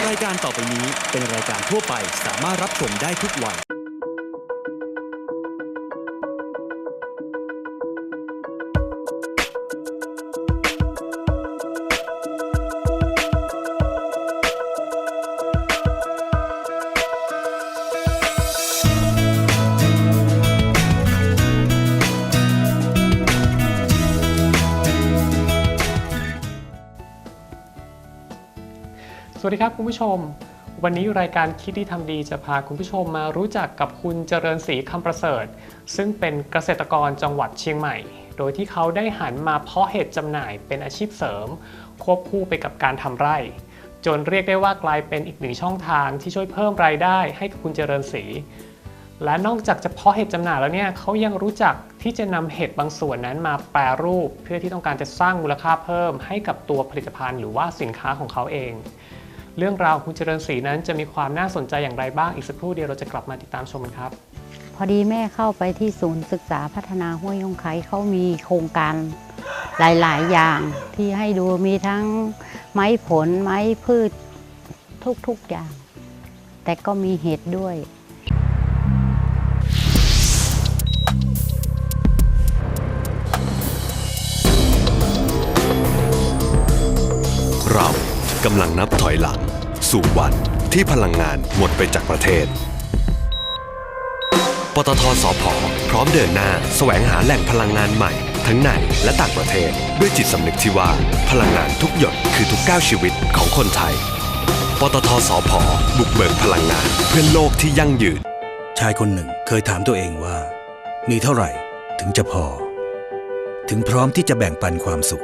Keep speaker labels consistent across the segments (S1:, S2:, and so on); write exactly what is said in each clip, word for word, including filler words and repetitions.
S1: รายการต่อไปนี้เป็นรายการทั่วไปสามารถรับชมได้ทุกวัย
S2: สวัสดีครับคุณผู้ชมวันนี้รายการคิดดีทำดีจะพาคุณผู้ชมมารู้จักกับคุณเจริญศรีคำประเสริฐซึ่งเป็นเกษตรกรจังหวัดเชียงใหม่โดยที่เขาได้หันมาเพาะเห็ดจำหน่ายเป็นอาชีพเสริมควบคู่ไปกับการทำไร่จนเรียกได้ว่ากลายเป็นอีกหนึ่งช่องทางที่ช่วยเพิ่มรายได้ให้กับคุณเจริญศรีและนอกจากจะเพาะเห็ดจำหน่ายแล้วเนี่ยเขายังรู้จักที่จะนำเห็ดบางส่วนนั้นมาแปรรูปเพื่อที่ต้องการจะสร้างมูลค่าเพิ่มให้กับตัวผลิตภัณฑ์หรือว่าสินค้าของเขาเองเรื่องราวคุณเจริญศรีนั้นจะมีความน่าสนใจอย่างไรบ้างอีกสักครู่เดียวเราจะกลับมาติดตามชมกันครับ
S3: พอดีแม่เข้าไปที่ศูนย์ศึกษาพัฒนาห้วยยงไคเขามีโครงการหลายๆอย่างที่ให้ดูมีทั้งไม้ผลไม้พืชทุกๆอย่างแต่ก็มีเห็ดด้วย
S4: เรากำลังนับถอยหลังสู่วันที่พลังงานหมดไปจากประเทศปตท.สผ.พร้อมเดินหน้าแสวงหาแหล่งพลังงานใหม่ทั้งในและต่างประเทศด้วยจิตสำนึกที่ว่าพลังงานทุกหยดคือทุกก้าวชีวิตของคนไทยปตท.สผ.บุกเบิกพลังงานเพื่อโลกที่ยั่งยืน
S5: ชายคนหนึ่งเคยถามตัวเองว่ามีเท่าไหร่ถึงจะพอถึงพร้อมที่จะแบ่งปันความสุข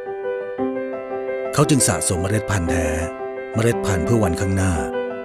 S5: เขาจึงสะสมเมล็ดพันธุ์แท้เมล็ดพันธุ์เพื่อวันข้างหน้า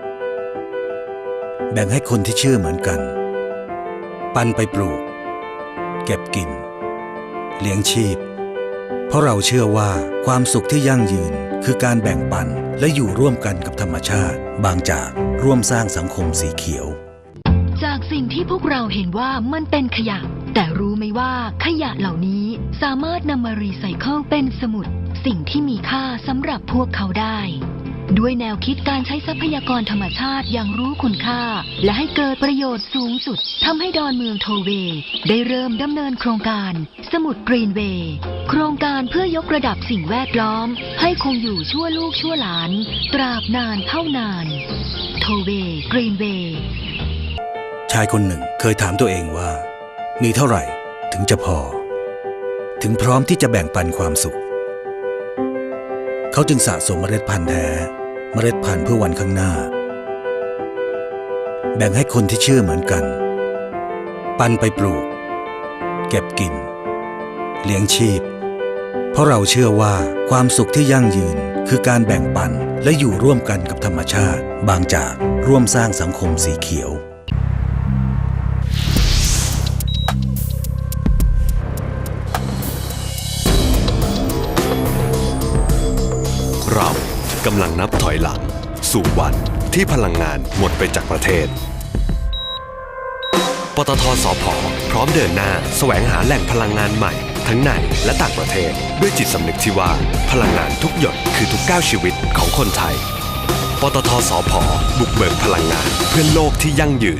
S5: แบ่งให้คนที่เชื่อเหมือนกันปันไปปลูกเก็บกินเลี้ยงชีพเพราะเราเชื่อว่าความสุขที่ยั่งยืนคือการแบ่งปันและอยู่ร่วมกันกับธรรมชาติบางจากร่วมสร้างสังคมสีเขียว
S6: จากสิ่งที่พวกเราเห็นว่ามันเป็นขยะแต่รู้ไหมว่าขยะเหล่านี้สามารถนำมารีไซเคิลเป็นสมุดสิ่งที่มีค่าสำหรับพวกเขาได้ด้วยแนวคิดการใช้ทรัพยากรธรรมชาติอย่างรู้คุณค่าและให้เกิดประโยชน์สูงสุดทำให้ดอนเมืองโทเวย์ได้เริ่มดำเนินโครงการสมุดกรีนเวย์โครงการเพื่อยกระดับสิ่งแวดล้อมให้คงอยู่ชั่วลูกชั่วหลานตราบนานเท่านานโทเวย์กรีนเวย์
S5: ชายคนหนึ่งเคยถามตัวเองว่ามีเท่าไหร่ถึงจะพอถึงพร้อมที่จะแบ่งปันความสุขเขาจึงสะสมเมล็ดพันธุ์แท้เมล็ดพันธุ์เพื่อวันข้างหน้าแบ่งให้คนที่เชื่อเหมือนกันปันไปปลูกเก็บกินเลี้ยงชีพเพราะเราเชื่อว่าความสุขที่ยั่งยืนคือการแบ่งปันและอยู่ร่วมกันกับธรรมชาติบางจากร่วมสร้างสังคมสีเขียว
S4: เรากำลังนับถอยหลังสู่วันที่พลังงานหมดไปจากประเทศปตท.สผ.พร้อมเดินหน้าแสวงหาแหล่งพลังงานใหม่ทั้งในและต่างประเทศด้วยจิตสำนึกที่ว่าพลังงานทุกหยดคือทุกก้าวชีวิตของคนไทยปตท.สผ.บุกเบิกพลังงานเพื่อโลกที่ยั่งยืน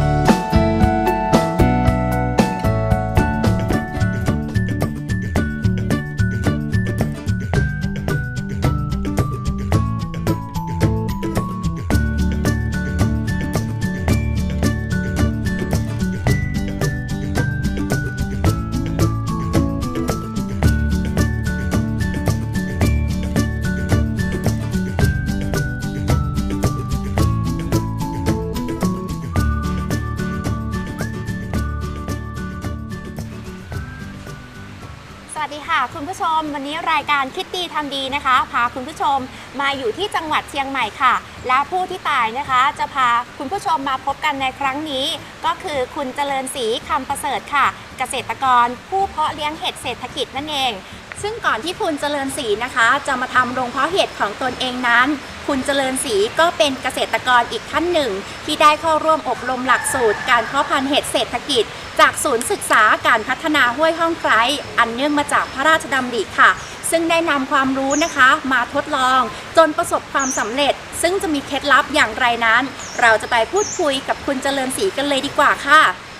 S7: สวัสดีค่ะคุณผู้ชมวันนี้รายการคิดดีทำดีนะคะพาคุณผู้ชมมาอยู่ที่จังหวัดเชียงใหม่ค่ะและผู้ที่ตายนะคะจะพาคุณผู้ชมมาพบกันในครั้งนี้ก็คือคุณเจริญศรีคำประเสริฐค่ะเกษตรกรผู้เพาะเลี้ยงเห็ดเศรษฐกิจนั่นเองซึ่งก่อนที่คุณเจริญศรีนะคะจะมาทำโรงเพาะเห็ดของตนเองนั้นคุณเจริญศรีก็เป็นเกษตรกรอีกท่านหนึ่งที่ได้เข้าร่วมอบรมหลักสูตรการเพาะพันธุ์เห็ดเศรษฐกิจจากศูนย์ศึกษาการพัฒนาห้วยห้องไคร้อันเนื่องมาจากพระราชดำริค่ะซึ่งได้นำความรู้นะคะมาทดลองจนประสบความสำเร็จซึ่งจะมีเคล็ดลับอย่างไรนั้นเราจะไปพูดคุยกับคุณเจริญศรีกันเลยดีกว่าค่ะ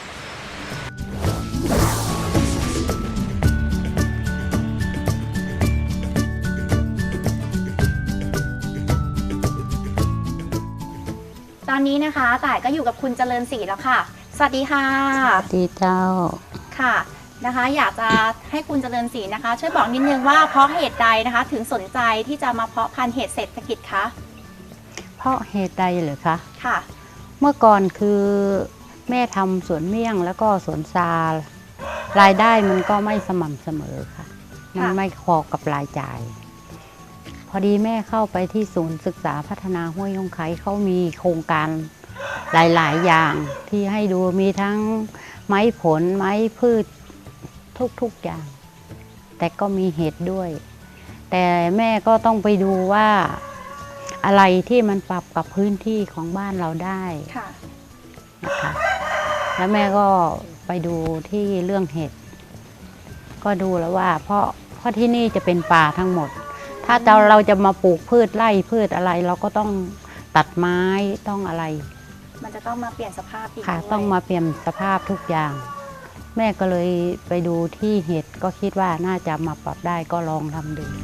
S7: ตอนนี้นะคะต่ายก็อยู่กับคุณเจริญศรีแล้วค่ะสวัสดีค่ะ
S3: สวัสดีเจ้า
S7: ค่ะนะคะอยากจะให้คุณเจริญศรีนะคะช่วยบอกนิดนึงว่าเพราะเหตุใดนะคะถึงสนใจที่จะมาเพาะพันธุ์เห็ดเศรษฐกิจคะ
S3: เพราะเหตุใดเหรอคะ
S7: ค่ะ
S3: เมื่อก่อนคือแม่ทำสวนเมี่ยงแล้วก็สวนซารายได้มันก็ไม่สม่ำเสมอค่ะมันไม่พอกับรายจ่ายพอดีแม่เข้าไปที่ศูนย์ศึกษาพัฒนาห้วยยงไคเขามีโครงการหลายๆอย่างที่ให้ดูมีทั้งไม้ผลไม้พืชทุกๆอย่างแต่ก็มีเห็ดด้วยแต่แม่ก็ต้องไปดูว่าอะไรที่มันปรับกับพื้นที่ของบ้านเราได้นะคะแล้วแม่ก็ไปดูที่เรื่องเห็ดก็ดูแล้วว่าเพราะเพราะที่นี่จะเป็นป่าทั้งหมดถ้าเราเราจะมาปลูกพืชไร่พืชอะไรเราก็ต้องตัดไม้ต้องอะไร
S7: มันจะต้องมาเปลี่ยนสภาพอีก
S3: ค่ะต้องมาเปลี่ยนสภาพทุกอย่างแม่ก็เลยไปดูที่เห็ดก็คิดว่าน่าจะมาปรับได้ก็ลองทำดู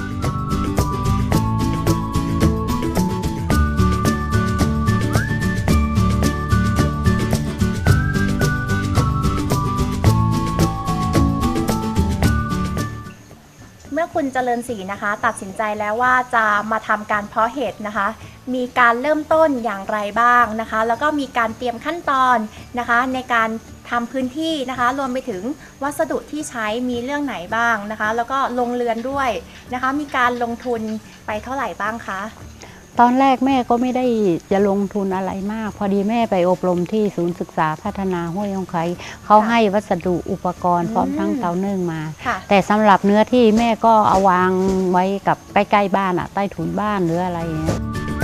S7: เมื่อคุณเจริญศรีนะคะตัดสินใจแล้วว่าจะมาทำการเพาะเห็ดนะคะมีการเริ่มต้นอย่างไรบ้างนะคะแล้วก็มีการเตรียมขั้นตอนนะคะในการทำพื้นที่นะคะรวมไปถึงวัสดุที่ใช้มีเรื่องไหนบ้างนะคะแล้วก็ลงเรือนด้วยนะคะมีการลงทุนไปเท่าไหร่บ้างคะ
S3: ตอนแรกแม่ก็ไม่ได้จะลงทุนอะไรมากพอดีแม่ไปอบรมที่ศูนย์ศึกษาพัฒนาห้วยยงไคเขาให้วัสดุอุปกรณ์พร้อมทั้งเตานึ่งมาแต่สำหรับเนื้อที่แม่ก็เอาวางไว้กับใกล้ๆบ้านอะใต้ถุนบ้านหรืออะไรอย่างเงี้ย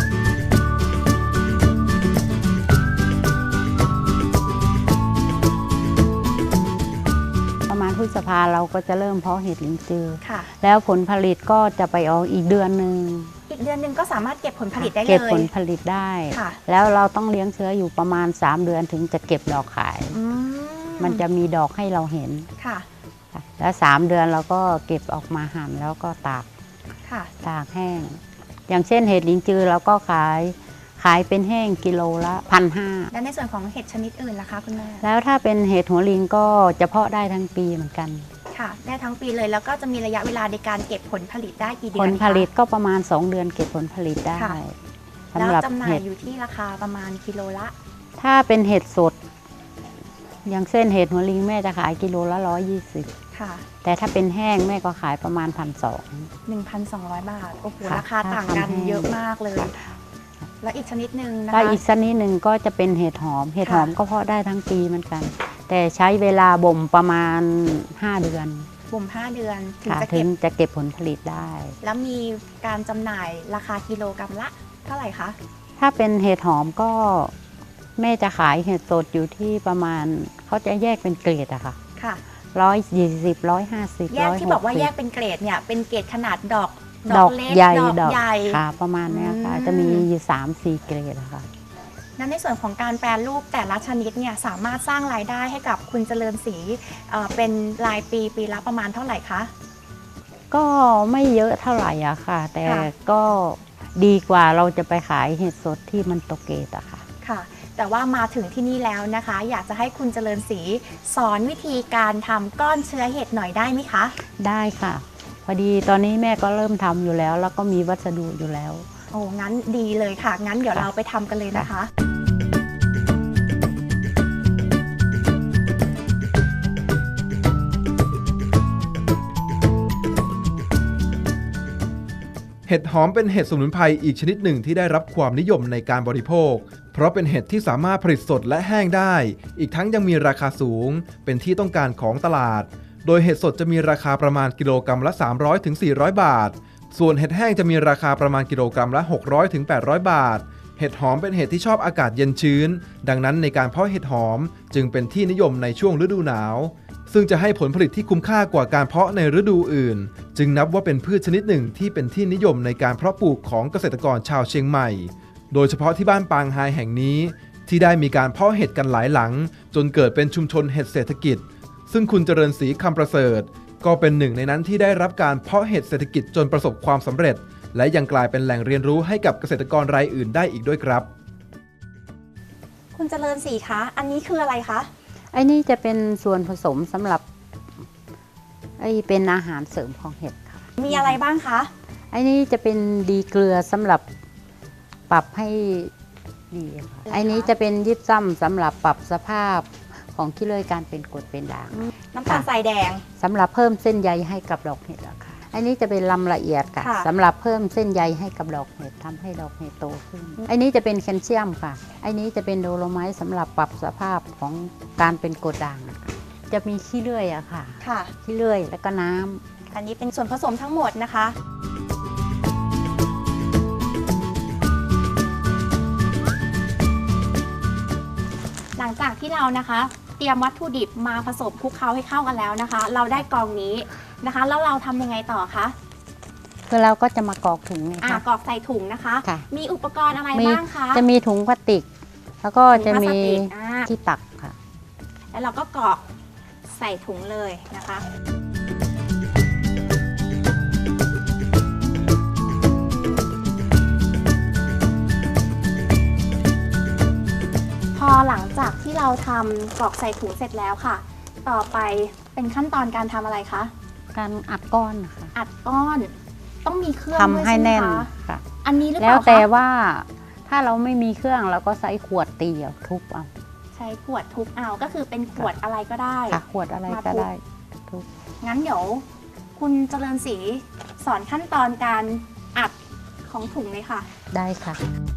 S3: ประมาณพฤษภาเราก็จะเริ่มเพาะเห็ดลินจือแล้วผลผลิตก็จะไปออกอีกเดือนหนึ่ง
S7: อีกเดือนหนึ่งก็สามารถเก็บผลผลิตได้เลย
S3: เก็บผลผลิตได้แล้วเราต้องเลี้ยงเชื้ออยู่ประมาณสามเดือนถึงจะเก็บดอกขายมันจะมีดอกให้เราเห็นค่ะแล้วสามเดือนเราก็เก็บออกมาหั่นแล้วก็ตากตากแห้งอย่างเช่นเห็ดลินจือเราก็ขายขายเป็นแห้งกิโลละพันห้า
S7: แล้วในส่วนของเห็ดชนิดอื่นล่ะคะคุณแม่
S3: แล้วถ้าเป็นเห็ดหัวลิงก็จะเพาะได้ทั้งปีเหมือนกัน
S7: ค่ะได้ทั้งปีเลยแล้วก็จะมีระยะเวลาในการเก็บผลผลิตได้กี่เดือน
S3: ผลผลิตก็ประมาณสองเดือนเก็บผลผลิตได้
S7: แล้วจำหน่ายอยู่ที่ราคาประมาณกิโลละ
S3: ถ้าเป็นเห็ดสดอย่างเส้นเห็ดหัวลิงแม่จะขายกิโลละร้อยยี่สิบค่ะแต่ถ้าเป็นแห้งแม่ก็ขายประมาณพันสอง
S7: หนึ่งพันสองร้อยบาทโอ้โหราคาต่างกันเยอะมากเลยแล้วอีกชนิดหนึ่งนะคะ
S3: แล้วอีกชนิดหนึ่งก็จะเป็นเห็ดหอมเห็ดหอมก็เพาะได้ทั้งปีเหมือนกันแต่ใช้เวลาบ่มประมาณห้าเดือน
S7: บ่มห้าเดือน
S3: ถึงจะเก็บจะเก็บผลผลิตได้
S7: แล้วมีการจำหน่ายราคากิโลกรัมละเท่าไหร่คะ
S3: ถ้าเป็นเห็ดหอมก็แม่จะขายเห็ดสดอยู่ที่ประมาณเขาจะแยกเป็นเกรดอะค่ะค่ะร้อยยี่สิบร้อยห้าสิบ
S7: แยกที่บอกว่าแยกเป็นเกรดเนี่ยเป็นเกรดขนาดดอก
S3: ดอกใหญ่ดอกใหญ่ค่ะประมาณนี้ค่ะจะมีอยู่สามสี่เกรดนะคะ
S7: นั้นในส่วนของการแปรรูปแต่ละชนิดเนี่ยสามารถสร้างรายได้ให้กับคุณเจริญศรีเป็นรายปีปีละประมาณเท่าไหร่คะ
S3: ก็ไม่เยอะเท่าไหร่อะค่ะแต่ก็ดีกว่าเราจะไปขายเห็ดสดที่มันตกเกรดอะค่ะ
S7: ค่ะแต่ว่ามาถึงที่นี่แล้วนะคะอยากจะให้คุณเจริญศรีสอนวิธีการทำก้อนเชื้อเห็ดหน่อยได้ไหมคะ
S3: ได้ค่ะพอดีตอนนี้แม่ก็เริ่มทำอยู่แล้วแล้วก็มีวัสดุอยู่แล้ว
S7: โอ้งั้นดีเลยค่ะงั้นเดี๋ยวเราไปทำกันเลยนะคะ
S8: เห็ดหอมเป็นเห็ดสมุนไพรอีกชนิดหนึ่งที่ได้รับความนิยมในการบริโภคเพราะเป็นเห็ดที่สามารถผลิตสดและแห้งได้อีกทั้งยังมีราคาสูงเป็นที่ต้องการของตลาดโดยเห็ดสดจะมีราคาประมาณกิโลกรัมละสามร้อยถึงสี่ร้อยบาทส่วนเห็ดแห้งจะมีราคาประมาณกิโลกรัมละหกร้อยถึงแปดร้อยบาทเห็ดหอมเป็นเห็ดที่ชอบอากาศเย็นชื้นดังนั้นในการเพาะเห็ดหอมจึงเป็นที่นิยมในช่วงฤดูหนาวซึ่งจะให้ผลผลิตที่คุ้มค่ากว่าการเพาะในฤดูอื่นจึงนับว่าเป็นพืชชนิดหนึ่งที่เป็นที่นิยมในการเพาะปลูกของเกษตรกรชาวเชียงใหม่โดยเฉพาะที่บ้านปางไฮแห่งนี้ที่ได้มีการเพาะเห็ดกันหลายหลังจนเกิดเป็นชุมชนเห็ดเศรษฐกิจซึ่งคุณเจริญศรีคำประเสริฐก็เป็นหนึ่งในนั้นที่ได้รับการเพาะเห็ดเศรษฐกิจจนประสบความสำเร็จและยังกลายเป็นแหล่งเรียนรู้ให้กับเกษตรกรรายอื่นได้อีกด้วยครับ
S7: คุณเจริญศรีคะอันนี้คืออะไรคะ
S3: ไอ้นี่จะเป็นส่วนผสมสำหรับไอ้เป็นอาหารเสริมของเห็ดค่ะ
S7: มีอะไรบ้างคะ
S3: ไอ้นี่จะเป็นดีเกลือสำหรับปรับให้ดีค่ะไอ้นี้จะเป็นยิบซ้ำสำหรับปรับสภาพของขี้เลื่อยการเป็นกรดเป็นด่าง
S7: น้ำตาลทรายแดง
S3: สำหรับเพิ่มเส้นใยให้กับดอกเห็ดค่ะไอ้นี้จะเป็นลำละเอียดค่ะสำหรับเพิ่มเส้นใยให้กับดอกเห็ดทำให้ดอกเห็ดโตขึ้นไอ้นี้จะเป็นแคลเซียมค่ะไอ้นี้จะเป็นโดโลไมต์สำหรับปรับสภาพของการเป็นกรดด่างจะมีขี้เลื่อยอะค่ะ
S7: ค่ะ
S3: ขี้เลื่อยแล้วก็น้ำ
S7: อันนี้เป็นส่วนผสมทั้งหมดนะคะหลังจากที่เรานะคะเตรียมวัตถุดิบมาผสมคลุกเคล้าให้เข้ากันแล้วนะคะ เราได้กองนี้นะคะแล้วเราทำยังไงต่อคะ
S3: คือเราก็จะมากรอกถุง
S7: อ่ากรอกใส่ถุงนะคะมีอุปกรณ์อะไรบ้างคะ
S3: จะมีถุงพลาสติกแล้วก็จะมีที่ตักค่ะ
S7: แล้วเราก็กรอกใส่ถุงเลยนะคะพอหลังจากที่เราทำกรอกใส่ถุงเสร็จแล้วค่ะต่อไปเป็นขั้นตอนการทำอะไรคะ
S3: การอัดก้อนค่ะ
S7: อัดก้อนต้องมีเครื่อง
S3: ทำให้แน่นค่ะ
S7: อันนี้หรือเป
S3: ล่าแล้วแต่ว่าถ้าเราไม่มีเครื่องเราก็ใช้ขวดตีเอาทุบเอา
S7: ใช้ขวดทุบเอาก็คือเป็นขวดอะไรก็ได้
S3: ค่ะขวดอะไรก็ได้ทุบ
S7: งั้นเดี๋ยวคุณเจริญศรีสอนขั้นตอนการอัดของถุงเลยค่ะ
S3: ได้ค่ะ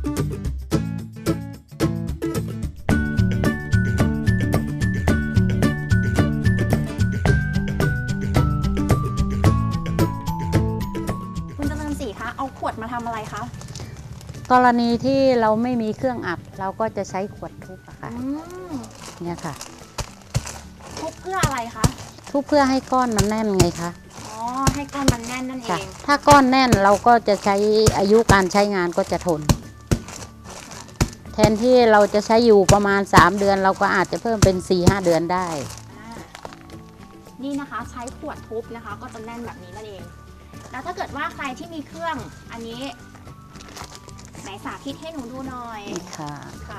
S7: เอาขวดมาทำอะไรคะ
S3: กรณีที่เราไม่มีเครื่องอัดเราก็จะใช้ขวดทุบอะค่ะเนี่ยค่ะ
S7: ทุบเพื่ออะไรคะ
S3: ทุบเพื่อให้ก้อนมันแน่นไงคะ
S7: อ๋อให้ก้อนมันแน่นนั่นเอง
S3: ถ้าก้อนแน่นเราก็จะใช้อายุการใช้งานก็จะทนแทนที่เราจะใช้อยู่ประมาณสามเดือนเราก็อาจจะเพิ่มเป็น สี่ห้า เดือนได้
S7: นี่นะคะใช้ขวดทุบนะคะก็จะแน่นแบบนี้นั่นเองแล้วถ้าเกิดว่าใครที่มีเครื่องอันนี้ไหนสาธิตให้หนูดูหน่อย
S3: ค่ะ
S7: ค่ะ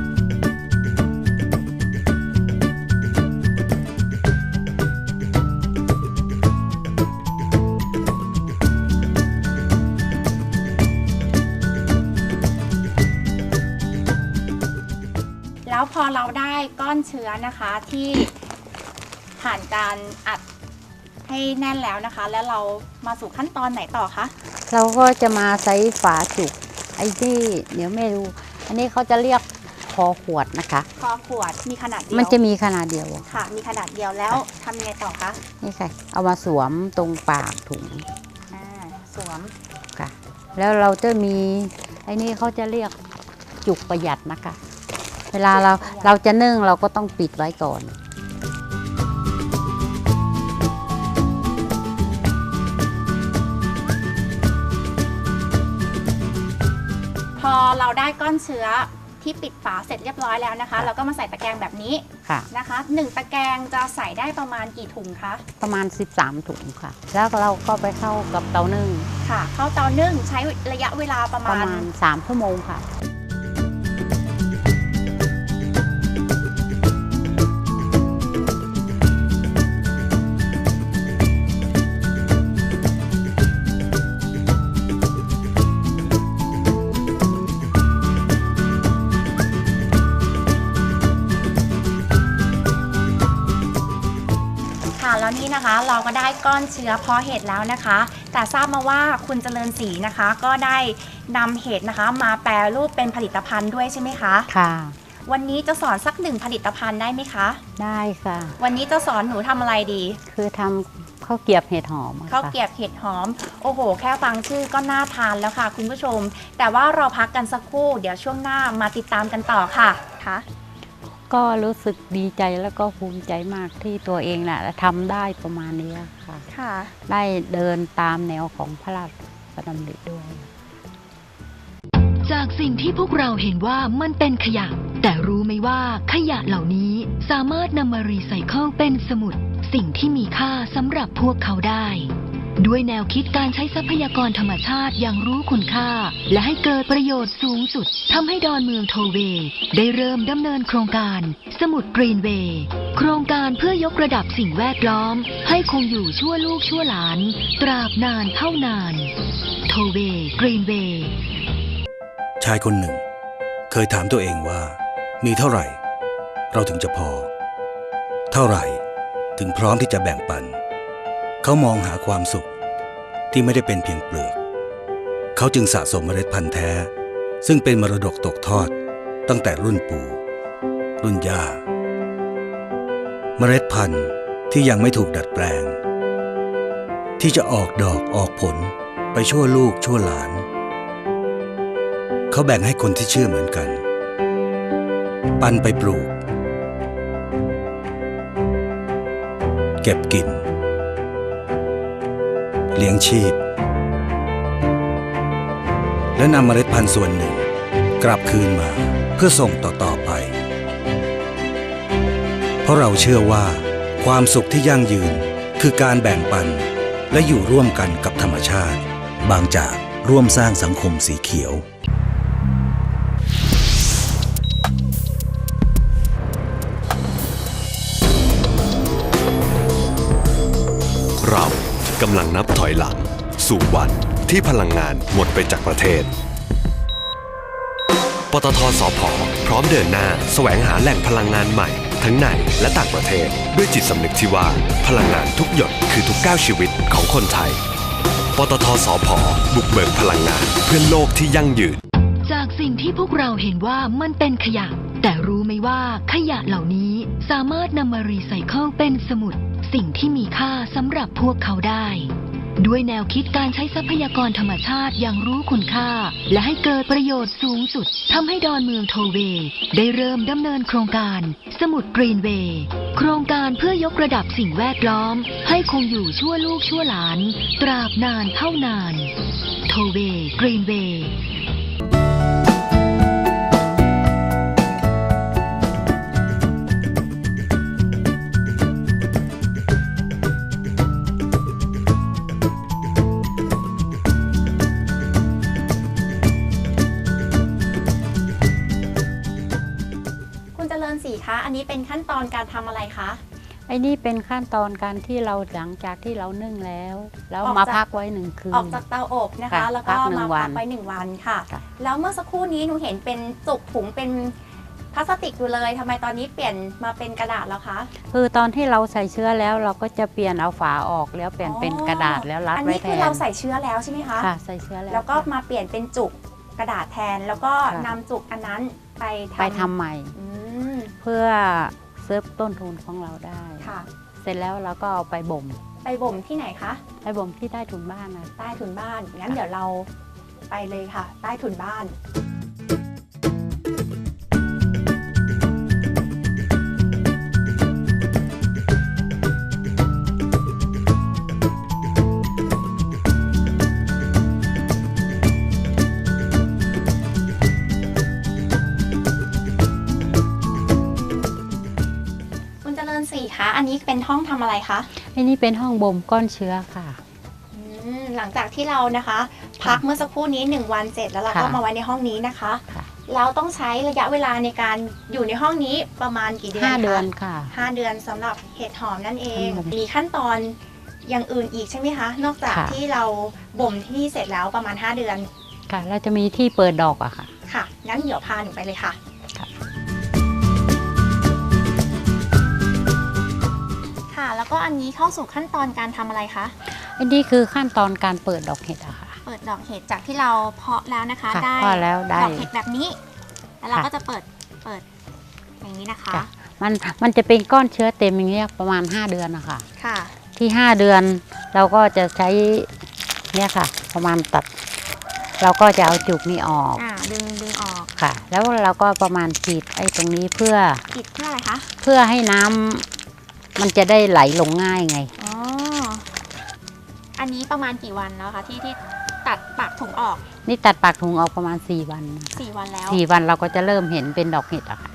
S7: แล้วพอเราได้ก้อนเชื้อนะคะที่ผ่านการอัดให้แน่นแล้วนะคะแล้วเรามาสู่ขั้นตอนไหนต่อคะ
S3: เราก็จะมาใช้ฝาจุกไอ้ที่เดี๋ยวไม่รู้อันนี้เขาจะเรียกคอขวดนะคะ
S7: คอขวดมีขนาดเดียว
S3: มันจะมีขนาดเดียว
S7: ค่ะมีขนาดเดียวแล้วทำยังไงต่อคะ
S3: นี่ค่ะเอามาสวมตรงปากถุง
S7: อ่าสวม
S3: ค่ะแล้วเราจะมีไอ้นี่เขาจะเรียกจุกประหยัดนะคะเวลาเราเราจะนึ่งเราก็ต้องปิดไว้ก่อน
S7: พอเราได้ก้อนเชื้อที่ปิดฝาเสร็จเรียบร้อยแล้วนะคะเราก็มาใส่ตะแกรงแบบนี้นะคะหนึ่งตะแกรงจะใส่ได้ประมาณกี่ถุงคะ
S3: ประมาณสิบสามถุงค่ะแล้วเราก็ไปเข้ากับเตานึ่ง
S7: ค่ะเข้าเตานึ่งใช้ระยะเวลาประมาณ
S3: ประมาณสามชั่วโมงค่ะ
S7: แล้วนี่นะคะเราก็ได้ก้อนเชื้อเพาะเห็ดแล้วนะคะแต่ทราบมาว่าคุณเจริญศรีนะคะก็ได้นำเห็ดนะคะมาแปรรูปเป็นผลิตภัณฑ์ด้วยใช่ไหมคะ
S3: ค่ะ
S7: วันนี้จะสอนสักหนึ่งผลิตภัณฑ์ได้ไหมคะ
S3: ได้ค่ะ
S7: วันนี้จะสอนหนูทำอะไรดี
S3: คือทำข้าวเกรี๊ยวเห็ดหอม
S7: ข้าวเกรี๊ยวเห็ดหอมโอ้โหแค่ฟังชื่อก็น่าทานแล้วค่ะคุณผู้ชมแต่ว่าเราพักกันสักครู่เดี๋ยวช่วงหน้ามาติดตามกันต่อค่ะค่ะ
S3: ก็รู้สึกดีใจแล้วก็ภูมิใจมากที่ตัวเองน่ะทำได้ประมาณนี้ค่ะค่ะได้เดินตามแนวของพระราชดำริด้วย
S6: จากสิ่งที่พวกเราเห็นว่ามันเป็นขยะแต่รู้ไหมว่าขยะเหล่านี้สามารถนำมารีไซเคิลเป็นสมุดสิ่งที่มีค่าสำหรับพวกเขาได้ด้วยแนวคิดการใช้ทรัพยากรธรรมชาติอย่างรู้คุณค่าและให้เกิดประโยชน์สูงสุดทำให้ดอนเมืองโทเวย์ได้เริ่มดำเนินโครงการสมุดกรีนเวย์โครงการเพื่อยกระดับสิ่งแวดล้อมให้คงอยู่ชั่วลูกชั่วหลานตราบนานเท่านานโทเวย์กรีนเวย์
S5: ชายคนหนึ่งเคยถามตัวเองว่ามีเท่าไหร่เราถึงจะพอเท่าไหร่ถึงพร้อมที่จะแบ่งปันเขามองหาความสุขที่ไม่ได้เป็นเพียงเปลือกเขาจึงสะสมเมล็ดพันธุ์แท้ซึ่งเป็นมรดกตกทอดตั้งแต่รุ่นปู่รุ่นย่าเมล็ดพันธุ์ที่ยังไม่ถูกดัดแปลงที่จะออกดอกออกผลไปชั่วลูกชั่วหลานเขาแบ่งให้คนที่เชื่อเหมือนกันปันไปปลูกเก็บกินเลี้ยงชีพและนำเมล็ดพันธุ์ส่วนหนึ่งกลับคืนมาเพื่อส่งต่อๆไปเพราะเราเชื่อว่าความสุขที่ยั่งยืนคือการแบ่งปันและอยู่ร่วมกันกับธรรมชาติบางจากร่วมสร้างสังคมสีเขียว
S4: เรากำลังนับถอยหลังสู่วันที่พลังงานหมดไปจากประเทศปตท.สผ.พร้อมเดินหน้าแสวงหาแหล่งพลังงานใหม่ทั้งในและต่างประเทศด้วยจิตสำนึกที่ว่าพลังงานทุกหยดคือทุกก้าวชีวิตของคนไทยปตท.สผ.บุกเบิกพลังงานเพื่อโลกที่ยั่งยืน
S6: จากสิ่งที่พวกเราเห็นว่ามันเป็นขยะแต่รู้ไหมว่าขยะเหล่านี้สามารถนำมารีไซเคิลเป็นสมุดสิ่งที่มีค่าสำหรับพวกเขาได้ด้วยแนวคิดการใช้ทรัพยากรธรรมชาติอย่างรู้คุณค่าและให้เกิดประโยชน์สูงสุดทำให้ดอนเมืองโทเวย์ได้เริ่มดำเนินโครงการสมุดกรีนเวย์โครงการเพื่อยกระดับสิ่งแวดล้อมให้คงอยู่ชั่วลูกชั่วหลานตราบนานเท่านานโทเวย์กรีนเวย์
S7: สีคะอันนี้เป็นขั้นตอนการทำอะไรคะ
S3: ไอ้นี่เป็นขั้นตอนการที่เราหลังจากที่เรานึ่งแล้วแล้วมาพักไว้หนึ่งคืน
S7: ออกจากเตาอบนะคะแล้วก็มาพักไว้หนึ่งวันค่ะแล้วเมื่อสักครู่นี้หนูเห็นเป็นจุกถุงเป็นพลาสติกอยู่เลยทำไมตอนนี้เปลี่ยนมาเป็นกระดาษแล้วคะ
S3: คือตอนที่เราใส่เชื้อแล้วเราก็จะเปลี่ยนเอาฝาออกแล้วเปลี่ยนเป็นกระดาษแล้วรัดไว้แทนอันนี้
S7: คือเราใส่เชื้อแล้วใช่ไหมคะ
S3: ค่ะใส่เชื้อแล้ว
S7: แล้วก็มาเปลี่ยนเป็นจุกกระดาษแทนแล้วก็นำจุกอันนั้นไป
S3: ไปทำใหม่เพื่อเซฟต้นทุนของเราได้ค่ะเสร็จแล้วเราก็เอาไปบ่ม
S7: ไปบ่มที่ไหนคะ
S3: ไปบ่มที่ใต้ถุนบ้านนะ
S7: ใต้ถุนบ้านงั้นเดี๋ยวเราไปเลยค่ะใต้ถุนบ้านสี่คะอันนี้เป็นห้องทำอะไรคะ
S3: อันนี้เป็นห้องบ่มก้อนเชื้อค่ะ
S7: หลังจากที่เรานะคะพักเมื่อสักครู่นี้หนึ่งวันเสร็จแล้วเราก็มาไว้ในห้องนี้นะคะเราต้องใช้ระยะเวลาในการอยู่ในห้องนี้ประมาณกี่เดือนคะ
S3: ห้าเดือนค่ะ
S7: ห้าเดือนสำหรับเห็ดหอมนั่นเองมีขั้นตอนอย่างอื่นอีกใช่ไหมคะนอกจากที่เราบ่มที่นี่เสร็จแล้วประมาณห้าเดือน
S3: ค่ะเราจะมีที่เปิดดอกอะค่ะ
S7: ค่ะงั้นเดี๋ยวพาหนูไปเลยค่ะแล้วก็อันนี้เข้าสู่ขั้นตอนการทำอะไรคะ
S3: อันนี้คือขั้นตอนการเปิดดอกเห็ดอะค่ะ
S7: เปิดดอกเห็ดจากที่เราเพาะแล้วนะคะได้
S3: เพาะแล้วได้
S7: ดอกเห็ดแบบนี้แล้วเราก็จะเปิดเปิดอย่างนี้นะคะ
S3: มันมันจะเป็นก้อนเชื้อเต็มอย่างเงี้ยประมาณห้าเดือนนะคะ
S7: ค่ะ
S3: ที่ห้าเดือนเราก็จะใช้เนี่ยค่ะประมาณตัดเราก็จะเอาจุกนี้ออก
S7: อ่าดึงดึงออก
S3: ค่ะ แล้วเราก็ประมาณขีดไอ้ตรงนี้เพื่อ
S7: ปิดเพื่ออะไรคะ
S3: เพื่อให้น้ำมันจะได้ไหลลงง่ายไง
S7: อ๋อ อันนี้ประมาณกี่วันแล้วคะที่ที่ตัดปากถุงออก
S3: นี่ตัดปากถุงออกประมาณสี่วันนะคะ
S7: สี่วันแล้ว
S3: สี่วันเราก็จะเริ่มเห็นเป็นดอกเห็ดอะค่ะ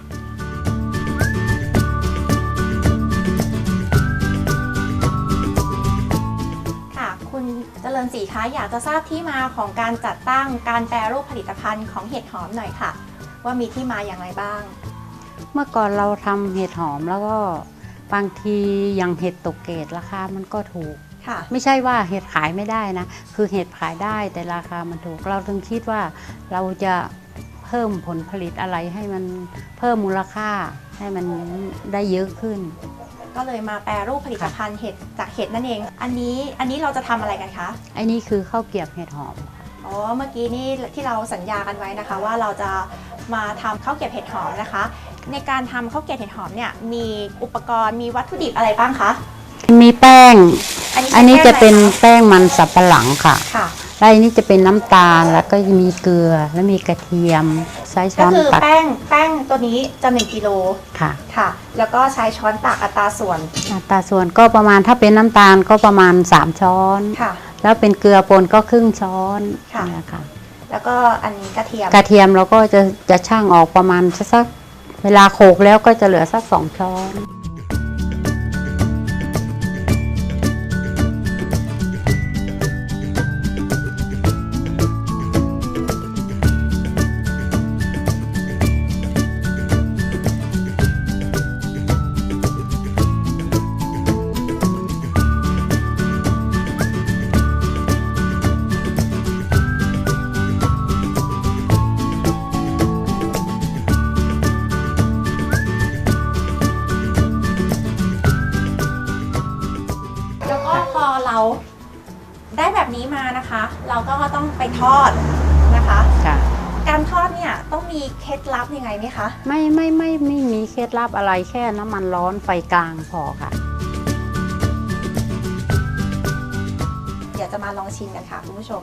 S7: ค่ะ คุณเจริญศรีคะอยากจะทราบที่มาของการจัดตั้งการแปรรูปผลิตภัณฑ์ของเห็ดหอมหน่อยค่ะ ว่ามีที่มาอย่างไรบ้าง
S3: เมื่อก่อนเราทำเห็ดหอมแล้วก็บางทีอย่างเห็ดตกเกรดราคามันก็ถูก
S7: ค่ะ
S3: ไม่ใช่ว่าเห็ดขายไม่ได้นะ คือเห็ดขายได้แต่ราคามันถูก เราถึงคิดว่าเราจะเพิ่มผลผลิตอะไรให้มันเพิ่มมูลค่าให้มันได้เยอะขึ้น
S7: ก็เลยมาแปรรูปผลิตภัณฑ์เห็ดจากเห็ดนั่นเอง อันนี้อันนี้เราจะทำอะไรกันคะ
S3: ไอ้นี่คือข้าวเกรียบเห็ดหอม
S7: อ๋อ เมื่อกี้นี่ที่เราสัญญากันไว้นะคะ ว่าเราจะมาทำข้าวเกรียบเห็ดหอมนะคะ ในการทำข้าวเกรียบเห็ดหอมเนี่ยมีอุปกรณ์มีวัตถุดิบอะไรบ้างคะ
S3: มีแป้ง
S7: อันนี้
S3: อันนี้จะเป็น
S7: แป้งอะไรค
S3: แป้งมันสับปะหลังค่ะ
S7: ค่ะ
S3: แล้วอันนี้จะเป็นน้ำตาลแล้วก็มีเกลือแล้วมีกระเทียมใช้ช้
S7: ก็
S3: อน
S7: คือ
S3: ตัก
S7: แป้งแป้งตัวนี้จะหนึ่งกิโล
S3: ค่ะ
S7: ค่ะ แล้วก็ใช้ช้อนตักอัตราส่วน
S3: อัตราส่วนก็ประมาณถ้าเป็นน้ำตาลก็ประมาณสามช้อน
S7: ค่ะ
S3: แล้วเป็นเกลือป่นก็ครึ่งช้อน
S7: ค่ะ
S3: เนี่ยค่ะ
S7: แล้วก็อันนี้กระเทียม
S3: กระเทียมเราก็จะจะช่างออกประมาณสักเวลาโขลกแล้วก็จะเหลือสักสองช้อน
S7: แล้วก็พอเราได้แบบนี้มานะคะ เราก็ต้องไปทอดนะคะ
S3: ค่ะ
S7: การทอดเนี่ยต้องมีเคล็ดลับยังไงไหมคะ
S3: ไม่ไม่ไม่ไม่มีเคล็ดลับอะไรแค่น้ำมันร้อนไฟกลางพอค่ะ
S7: เดี๋ยวจะมาลองชิมกันค่ะคุณผู้ชม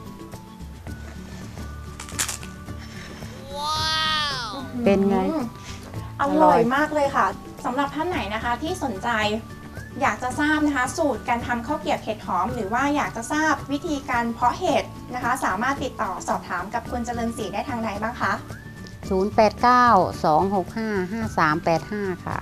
S3: เป็นไง
S7: อืมอ
S3: อร่
S7: ร่อ
S3: อย ย
S7: มากเลยค่ะสำหรับท่านไหนนะคะที่สนใจอยากจะทราบนะคะ สูตรการทำข้าวเกรียบเห็ดหอม หรือว่าอยากจะทราบวิธีการเพาะเห็ดนะคะ สามารถติดต่อสอบถามกับคุณเจริญศรีได้ทางไหนบ้างคะ
S3: ศูนย์ แปด เก้า สอง หก ห้า ห้า สาม แปด ห้า ค่ะ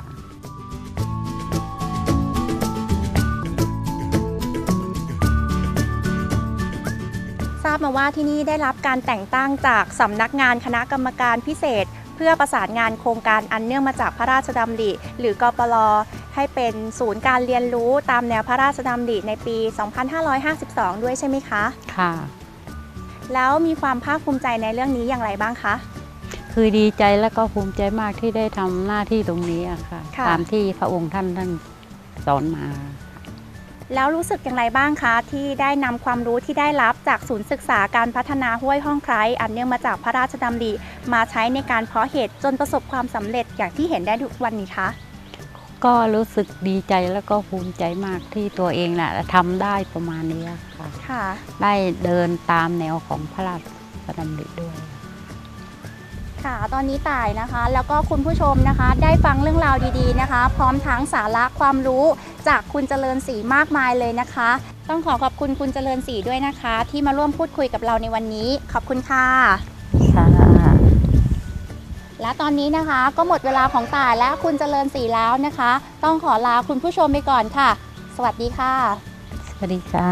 S7: ทราบมาว่าที่นี่ได้รับการแต่งตั้งจากสำนักงานคณะกรรมการพิเศษ เพื่อประสานงานโครงการอันเนื่องมาจากพระราชดำริหรือกปรให้เป็นศูนย์การเรียนรู้ตามแนวพระราชดำริในปี สองพันห้าร้อยห้าสิบสอง ด้วยใช่ไหมคะ
S3: ค่ะ
S7: แล้วมีความภาคภูมิใจในเรื่องนี้อย่างไรบ้างคะ
S3: คือดีใจและก็ภูมิใจมากที่ได้ทำหน้าที่ตรงนี้อะค่ะ
S7: ค่ะ
S3: ตามที่พระองค์ท่านท่านสอนมา
S7: แล้วรู้สึกอย่างไรบ้างคะที่ได้นำความรู้ที่ได้รับจากศูนย์ศึกษาการพัฒนาห้วยห้องไคร้อันเนื่องมาจากพระราชดำริมาใช้ในการเพาะเห็ดจนประสบความสำเร็จอย่างที่เห็นได้ทุกวันนี้คะ
S3: ก็รู้สึกดีใจแล้วก็ภูมิใจมากที่ตัวเองน่ะทำได้ประมาณนี้ค่ะ
S7: ค่ะ
S3: ได้เดินตามแนวของพระราชดำริด้วย
S7: ค่ะ ตอนนี้ต่ายนะคะ แล้วก็คุณผู้ชมนะคะ ได้ฟังเรื่องราวดีๆนะคะ พร้อมทั้งสาระความรู้จากคุณเจริญศรีมากมายเลยนะคะ ต้องขอขอบคุณคุณเจริญศรีด้วยนะคะ ที่มาร่วมพูดคุยกับเราในวันนี้ ขอบคุณค่ะ
S3: ค่ะ
S7: และตอนนี้นะคะก็หมดเวลาของต่ายและคุณเจริญศรีแล้วนะคะ ต้องขอลาคุณผู้ชมไปก่อนค่ะ สวัสดีค่ะ
S3: สวัสดีค่ะ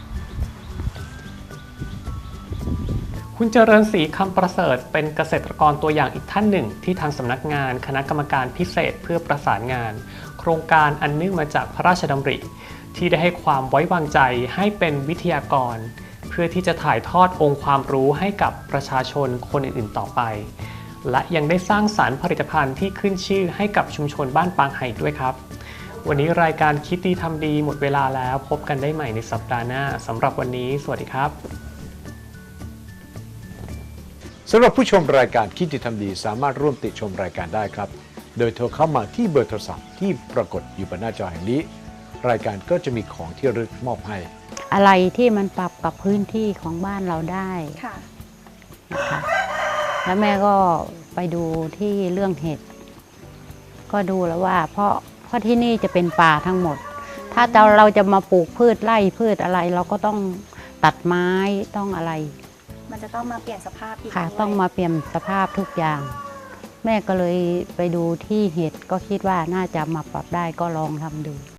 S2: คุณเจริญศรีคำประเสริฐเป็นเกษตรกรตัวอย่างอีกท่านหนึ่ง ที่ทางสำนักงานคณะกรรมการพิเศษเพื่อประสานงาน โครงการอันเนื่องมาจากพระราชดำริที่ได้ให้ความไว้วางใจให้เป็นวิทยากร เพื่อที่จะถ่ายทอดองค์ความรู้ให้กับประชาชนคนอื่นๆต่อไป และยังได้สร้างสรรค์ผลิตภัณฑ์ที่ขึ้นชื่อให้กับชุมชนบ้านปางไห่ด้วยครับ วันนี้รายการคิดดีทำดีหมดเวลาแล้วพบกันได้ใหม่ในสัปดาห์หน้าสำหรับวันนี้สวัสดีครับ
S9: สำหรับผู้ชมรายการคิดดีทำดีสามารถร่วมติชมรายการได้ครับ โดยโทรเข้ามาที่เบอร์โทรศัพท์ที่ปรากฏอยู่บนหน้าจอแห่งนี้ รายการก็จะมีของที่ระลึกมอบให้
S3: อะไรที่มันปรับกับพื้นที่ของบ้านเราได้
S7: ค่ะ
S3: นะคะแล้วแม่ก็ไปดูที่เรื่องเห็ดก็ดูแล้วว่า เพราะเพราะที่นี่จะเป็นป่าทั้งหมด ถ้าเราเราจะมาปลูกพืชไร่พืชอะไร เราก็ต้องตัดไม้ต้องอะไร
S7: มันจะต้องมาเปลี่ยนสภาพอีก
S3: ค่ะ
S7: ด้วย
S3: ต้องมาเปลี่ยนสภาพทุกอย่าง แม่ก็เลยไปดูที่เห็ดก็คิดว่าน่าจะมาปรับได้ก็ลองทำดู